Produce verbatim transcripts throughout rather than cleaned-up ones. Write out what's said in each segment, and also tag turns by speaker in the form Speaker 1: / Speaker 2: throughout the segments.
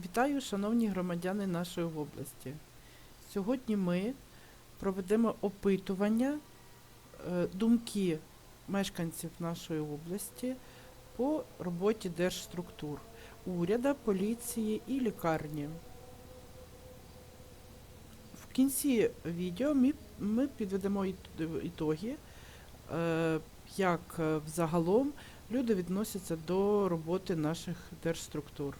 Speaker 1: Вітаю, шановні громадяни нашої області. Сьогодні ми проведемо опитування, е, думки мешканців нашої області по роботі держструктур, уряду, поліції і лікарні. В кінці відео ми, ми підведемо іт- ітоги, е, як е, взагалом люди відносяться до роботи наших держструктур.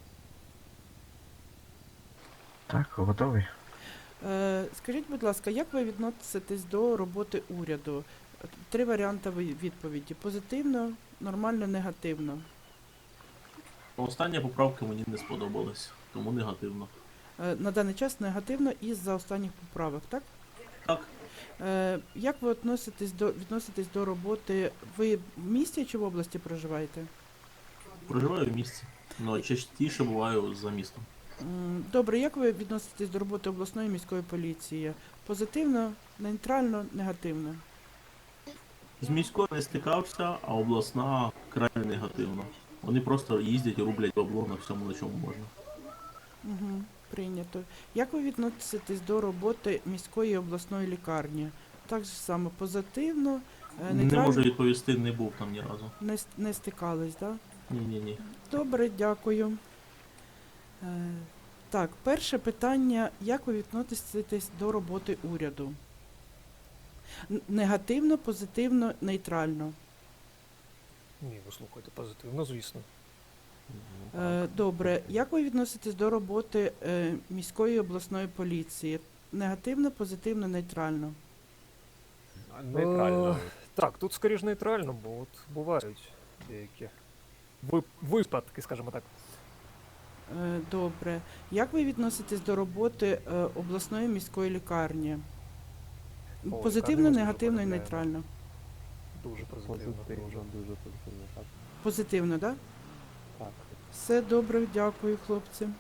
Speaker 2: Так, готовий.
Speaker 1: Е, Скажіть, будь ласка, як ви відноситесь до роботи уряду? Три варіанти ви- відповіді: позитивно, нормально, негативно.
Speaker 3: Остання поправка мені не сподобалась, тому негативно.
Speaker 1: Е, На даний час негативно із-за останніх поправок, так?
Speaker 3: Так,
Speaker 1: Е, Як ви відноситесь до, відноситесь до роботи? Ви в місті чи в області проживаєте?
Speaker 3: проживаю в місті, але частіше буваю за містом.
Speaker 1: М, Добре, як ви відноситесь до роботи обласної міської поліції? Позитивно, нейтрально, негативно?
Speaker 3: З міською не стикався, а обласна крайне негативно. Вони просто їздять і рублять бабло на всьому, на чому можна.
Speaker 1: Угу, прийнято. Як ви відноситесь до роботи міської і обласної лікарні? Так же само позитивно, е,
Speaker 3: Не
Speaker 1: нейтрально,
Speaker 3: можу відповісти, не був там ні разу.
Speaker 1: не, с- не стикались, так? Да?
Speaker 3: Ні-ні-ні.
Speaker 1: Добре, дякую. Е, так, перше питання. Як ви відноситесь до роботи уряду? Н- Негативно, позитивно, нейтрально.
Speaker 4: Ні, ви слухайте позитивно, звісно.
Speaker 1: Е, добре. Як ви відноситесь до роботи е, міської і обласної поліції? Негативно, позитивно, нейтрально.
Speaker 5: Нейтрально.
Speaker 4: Е, так, тут скоріш нейтрально, бо от бувають деякі ви- випадки, скажімо так.
Speaker 1: Е, Добре. Як ви відноситесь до роботи е, обласної міської лікарні?
Speaker 4: О,
Speaker 1: Позитивно,
Speaker 4: лікарню ми
Speaker 1: негативно і
Speaker 4: дуже
Speaker 1: нейтрально.
Speaker 4: Дуже позитивно.
Speaker 5: Позитивно,
Speaker 4: Дуже.
Speaker 5: дуже позитивно, так.
Speaker 1: Позитивно, так?
Speaker 5: Так.
Speaker 1: Все добре, дякую, хлопці.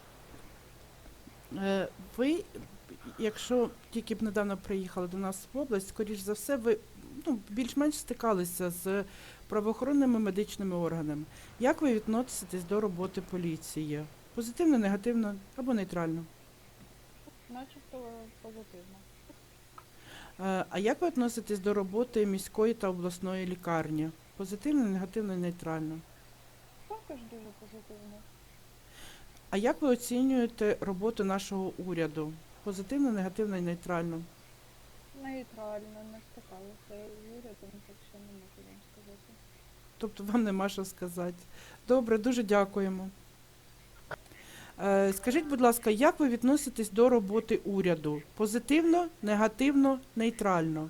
Speaker 1: Е, Ви, якщо тільки б недавно приїхали до нас в область, скоріш за все, ви ну, більш-менш стикалися з правоохоронними медичними органами. Як ви відноситесь до роботи поліції? Позитивно, негативно або нейтрально?
Speaker 6: Начебто позитивно.
Speaker 1: Е, А як ви відноситесь до роботи міської та обласної лікарні? Позитивно, негативно, нейтрально?
Speaker 6: Також дуже позитивно.
Speaker 1: А як ви оцінюєте роботу нашого уряду? Позитивно, негативно і нейтрально?
Speaker 6: Нейтрально, не стикалися з урядом, так що не можу вам сказати.
Speaker 1: Тобто вам нема що сказати. Добре, дуже дякуємо. Е, Скажіть, будь ласка, як ви відноситесь до роботи уряду? Позитивно, негативно, нейтрально?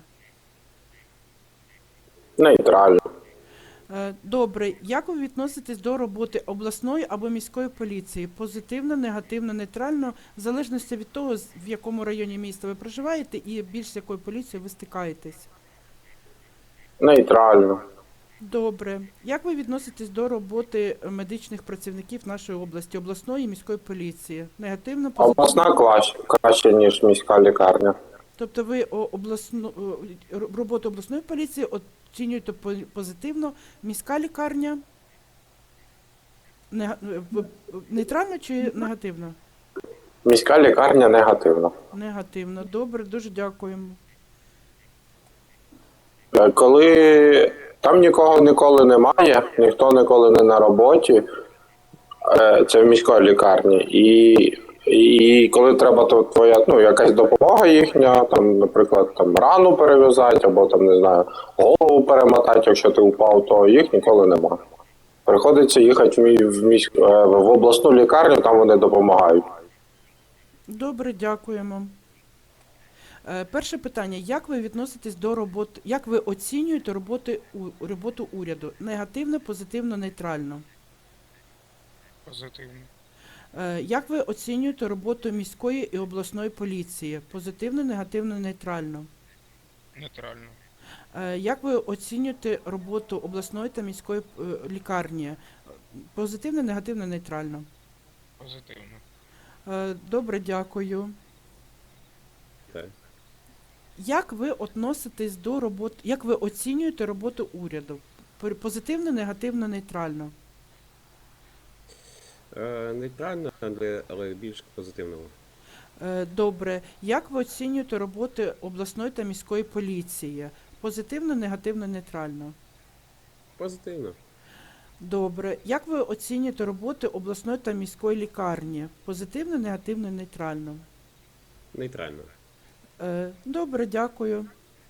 Speaker 7: Нейтрально.
Speaker 1: Е, Добре, як ви відноситесь до роботи обласної або міської поліції? Позитивно, негативно, нейтрально, в залежності від того, з- в якому районі міста ви проживаєте і більш з якою поліцією ви стикаєтесь?
Speaker 7: Нейтрально.
Speaker 1: Добре. Як ви відноситесь до роботи е, медичних працівників нашої області, обласної і міської поліції? Негативно, позитивно?
Speaker 7: Обласна краще, краще, ніж міська лікарня.
Speaker 1: Тобто ви о, обласну, о, р- роботу обласної поліції оцінюєте по- позитивно, міська лікарня нега- е, в- нейтрально чи негативно?
Speaker 7: Міська лікарня негативна.
Speaker 1: Негативно. Добре, дуже дякуємо.
Speaker 7: Е, Коли там нікого ніколи немає, ніхто ніколи не на роботі, е, це в міської лікарні. І, і коли треба, то твоя ну, якась допомога їхня, там, наприклад, там рану перев'язати, або там, не знаю, голову перемотати, якщо ти упав, то їх ніколи немає. Приходиться їхати в, мі- в, міськ, е, в обласну лікарню, там вони допомагають.
Speaker 1: Добре, дякуємо. Е, Перше питання. Як ви відноситесь до роботи, як ви оцінюєте роботи, у- роботу уряду? Негативно, позитивно, нейтрально?
Speaker 4: Позитивно.
Speaker 1: Е, Як ви оцінюєте роботу міської і обласної поліції? Позитивно, негативно, нейтрально?
Speaker 4: Нейтрально.
Speaker 1: Е, Як ви оцінюєте роботу обласної та міської е, лікарні? Позитивно, негативно, нейтрально?
Speaker 4: Позитивно.
Speaker 1: Е, Добре, дякую.
Speaker 5: Так.
Speaker 1: Як ви відноситесь до роботи, як ви оцінюєте роботу уряду? Пер- Позитивно, негативно, нейтрально?
Speaker 5: Е, нейтрально, але, але більш позитивного.
Speaker 1: Е, Добре. Як ви оцінюєте роботи обласної та міської поліції? Позитивно, негативно, нейтрально?
Speaker 5: Позитивно.
Speaker 1: Добре. Як ви оцінюєте роботи обласної та міської лікарні? Позитивно, негативно, нейтрально?
Speaker 5: Нейтрально.
Speaker 1: Е, Добре, дякую.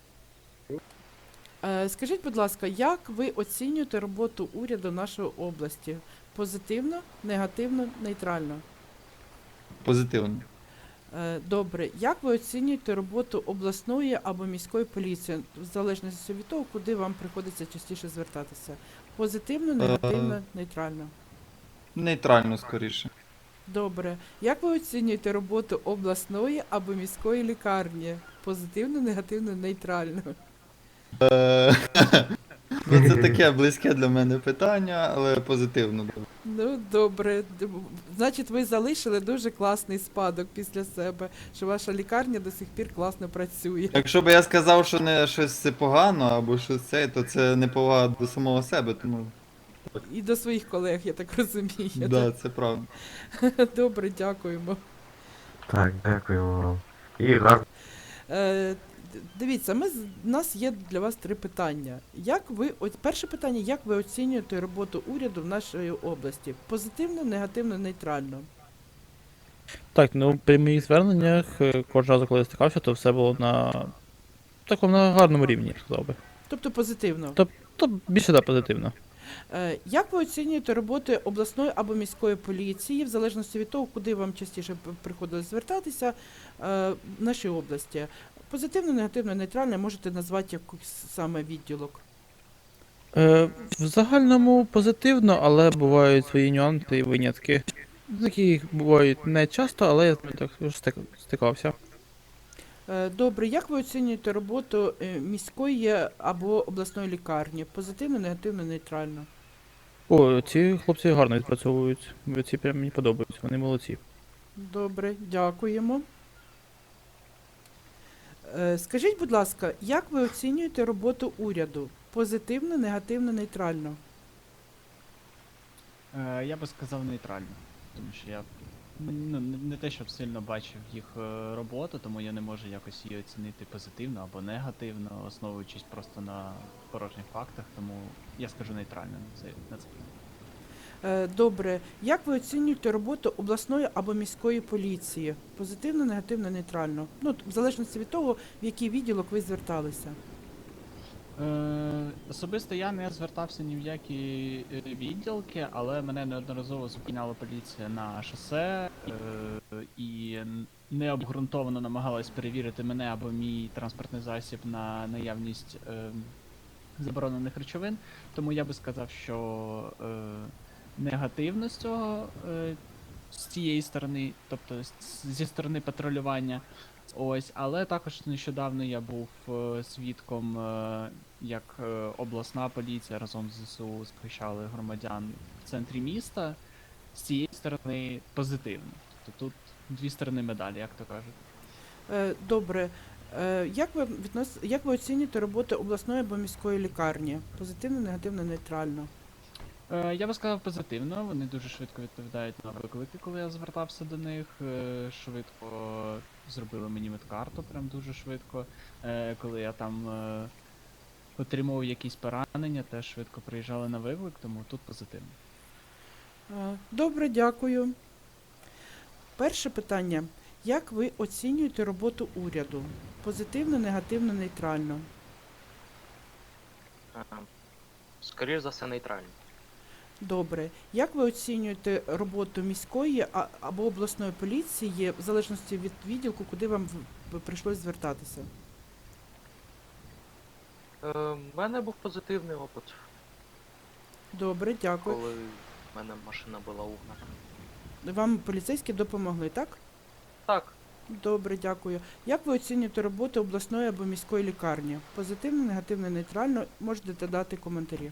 Speaker 1: Е, Скажіть, будь ласка, як ви оцінюєте роботу уряду нашої області? Позитивно, негативно, нейтрально?
Speaker 8: Позитивно.
Speaker 1: Е, Добре. Як ви оцінюєте роботу обласної або міської поліції, в залежності від того, куди вам приходиться частіше звертатися? Позитивно, негативно, нейтрально?
Speaker 8: Нейтрально скоріше.
Speaker 1: Добре. Як ви оцінюєте роботу обласної або міської лікарні? Позитивно, негативно, нейтрально?
Speaker 8: Е, Ну, це таке близьке для мене питання, але позитивно.
Speaker 1: Ну, добре. Д- Значить, ви залишили дуже класний спадок після себе, що ваша лікарня до сих пір класно працює.
Speaker 8: Якщо б я сказав, що не щось це погано або щось це, то це неповага до самого себе, тому
Speaker 1: І до своїх колег, я так розумію.
Speaker 8: да, це правда.
Speaker 1: Добре, дякуємо.
Speaker 2: Так, дякуємо вам. І гарно.
Speaker 1: Е, д- Дивіться, ми, з- у нас є для вас три питання. Як ви, о- перше питання, як ви оцінюєте роботу уряду в нашій області? Позитивно, негативно, нейтрально?
Speaker 9: Так, ну при моїх зверненнях е, кожного разу, коли я стикався, то все було на такому на гарному рівні, я б сказав би.
Speaker 1: Тобто позитивно.
Speaker 9: То, то більше да, позитивно.
Speaker 1: Е, Як ви оцінюєте роботи обласної або міської поліції, в залежності від того, куди вам частіше п- приходилось звертатися е, в нашій області? Позитивно, негативно, нейтрально, можете назвати якийсь саме відділок.
Speaker 9: Е, в загальному позитивно, але бувають свої нюанси і винятки. Такі бувають не часто, але я з ними так стик- стикався.
Speaker 1: Е, Добре, як ви оцінюєте роботу е, міської або обласної лікарні? Позитивно, негативно, нейтрально?
Speaker 9: О, ці хлопці гарно відпрацьовують. Ці прям мені подобаються, вони молодці.
Speaker 1: Добре, дякуємо. Е, Скажіть, будь ласка, як ви оцінюєте роботу уряду? Позитивно, негативно, нейтрально?
Speaker 10: Е, я би сказав нейтрально, тому що я ну, не, не те, щоб сильно бачив їх е, роботу, тому я не можу якось її оцінити позитивно або негативно, основуючись просто на порожніх фактах, тому я скажу нейтрально на це. На це.
Speaker 1: Е, Добре, як ви оцінюєте роботу обласної або міської поліції? Позитивно, негативно, нейтрально? Ну, в залежності від того, в який відділок ви зверталися.
Speaker 10: Е, особисто я не звертався ні в які е, відділки, але мене неодноразово зупиняла поліція на шосе е, і н- необґрунтовано намагалась перевірити мене або мій транспортний засіб на наявність е, заборонених речовин. Тому я би сказав, що е, негативно з цього е, з цієї сторони, тобто з- зі сторони патрулювання. Ось, але також нещодавно я був е, свідком, е, як е, обласна поліція разом з ЗСУ захищали громадян в центрі міста. З цієї сторони позитивно. Тобто тут дві сторони медалі, як то кажуть.
Speaker 1: Е, Добре. Е, Як ви віднос... як ви оцінюєте роботу обласної або міської лікарні? Позитивно, негативно, нейтрально?
Speaker 10: Е, я би сказав позитивно, вони дуже швидко відповідають на виклики, коли я звертався до них. Е, швидко зробили мені медкарту, прям дуже швидко. Е, коли я там е, отримував якісь поранення, теж швидко приїжджали на виклик, тому тут позитивно.
Speaker 1: Е, Добре, дякую. Перше питання. Як ви оцінюєте роботу уряду? Позитивно, негативно, нейтрально?
Speaker 11: Скоріше за все, нейтрально.
Speaker 1: Добре. Як ви оцінюєте роботу міської а- або обласної поліції в залежності від відділку, куди вам в- прийшлось звертатися?
Speaker 11: Е, в мене був позитивний опит,
Speaker 1: Добре, дякую.
Speaker 11: коли в мене машина була угнана.
Speaker 1: Вам поліцейські допомогли, так?
Speaker 11: Так,
Speaker 1: Добре, дякую. Як ви оцінюєте роботу обласної або міської лікарні? Позитивно, негативно, нейтрально? Можете дати коментарі.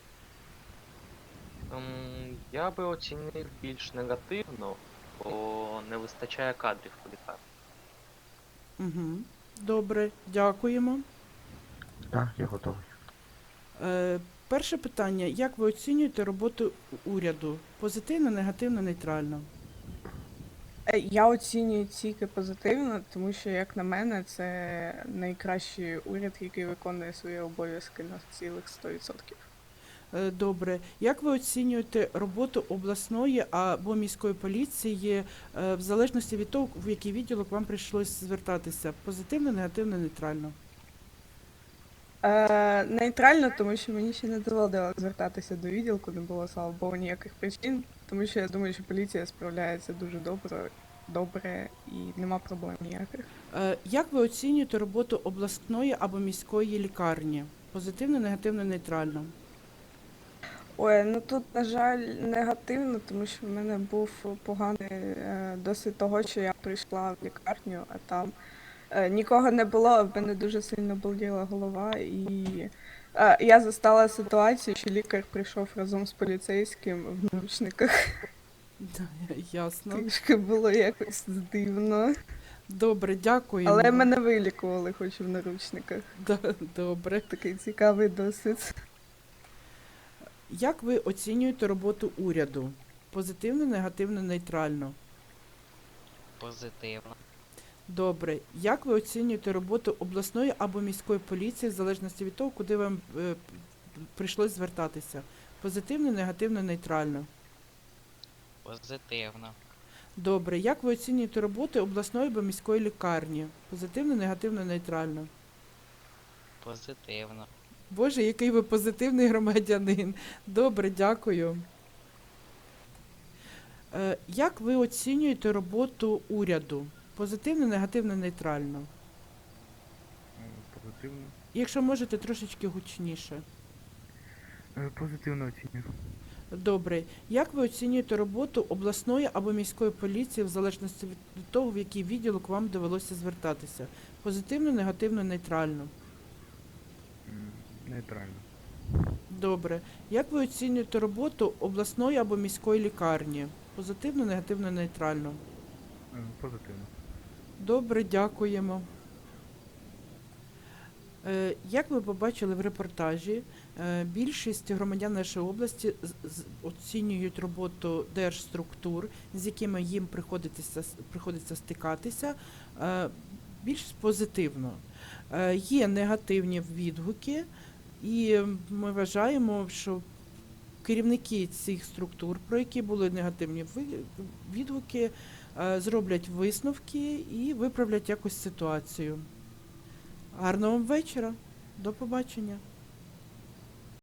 Speaker 11: ем, я би оцінив більш негативно, бо не вистачає кадрів у лікарні.
Speaker 1: Угу. Добре, дякуємо.
Speaker 2: Так, я готовий.
Speaker 1: Е, перше питання. Як ви оцінюєте роботу уряду? Позитивно, негативно, нейтрально?
Speaker 12: Е, Я оцінюю тільки позитивно, тому що, як на мене, це найкращий уряд, який виконує свої обов'язки на цілих сто відсотків.
Speaker 1: Е, Добре. Як ви оцінюєте роботу обласної або міської поліції е, в залежності від того, в який відділок вам прийшлось звертатися? Позитивно, негативно, нейтрально?
Speaker 12: Е, нейтрально, тому що мені ще не доводилось звертатися до відділку, не було, слава Богу, ніяких причин, тому що я думаю, що поліція справляється дуже добре, добре і нема проблем ніяких.
Speaker 1: Е, Як ви оцінюєте роботу обласної або міської лікарні? Позитивно, негативно, нейтрально?
Speaker 12: Ой, ну тут, на жаль, негативно, тому що в мене був поганий е, досвід того, що я прийшла в лікарню, а там е, нікого не було, в мене дуже сильно боліла голова, і е, я застала ситуацію, що лікар прийшов разом з поліцейським в наручниках.
Speaker 1: Да, ясно.
Speaker 12: Трішки було якось дивно.
Speaker 1: Добре, дякуємо.
Speaker 12: Але мене вилікували, хоч і в наручниках.
Speaker 1: Да, добре.
Speaker 12: Такий цікавий досвід.
Speaker 1: Як ви оцінюєте роботу уряду? Позитивно, негативно, нейтрально?
Speaker 11: Позитивно.
Speaker 1: Добре. Як ви оцінюєте роботу обласної або міської поліції в залежності від того, куди вам е, прийшлось звертатися? Позитивно, негативно, нейтрально?
Speaker 11: Позитивно.
Speaker 1: Добре. Як ви оцінюєте роботу обласної або міської лікарні? Позитивно, негативно, нейтрально?
Speaker 11: Позитивно.
Speaker 1: Боже, який ви позитивний громадянин. Добре, дякую. Е, Як ви оцінюєте роботу уряду? Позитивно, негативно, нейтрально?
Speaker 2: Позитивно.
Speaker 1: Якщо можете, трошечки гучніше.
Speaker 2: Позитивно оцінюю.
Speaker 1: Добре. Як ви оцінюєте роботу обласної або міської поліції в залежності від того, в який відділок вам довелося звертатися? Позитивно, негативно, нейтрально?
Speaker 2: Нейтрально.
Speaker 1: Добре. Як ви оцінюєте роботу обласної або міської лікарні? Позитивно, негативно, нейтрально?
Speaker 2: Позитивно.
Speaker 1: Добре, дякуємо. Е, Як ви побачили в репортажі, е, більшість громадян нашої області з- з- оцінюють роботу держструктур, з якими їм приходиться, с- приходиться стикатися, е, більш позитивно. Е, Є негативні відгуки, і ми вважаємо, що керівники цих структур, про які були негативні ви- відгуки, е, зроблять висновки і виправлять якось ситуацію. Гарного вам вечора. До побачення.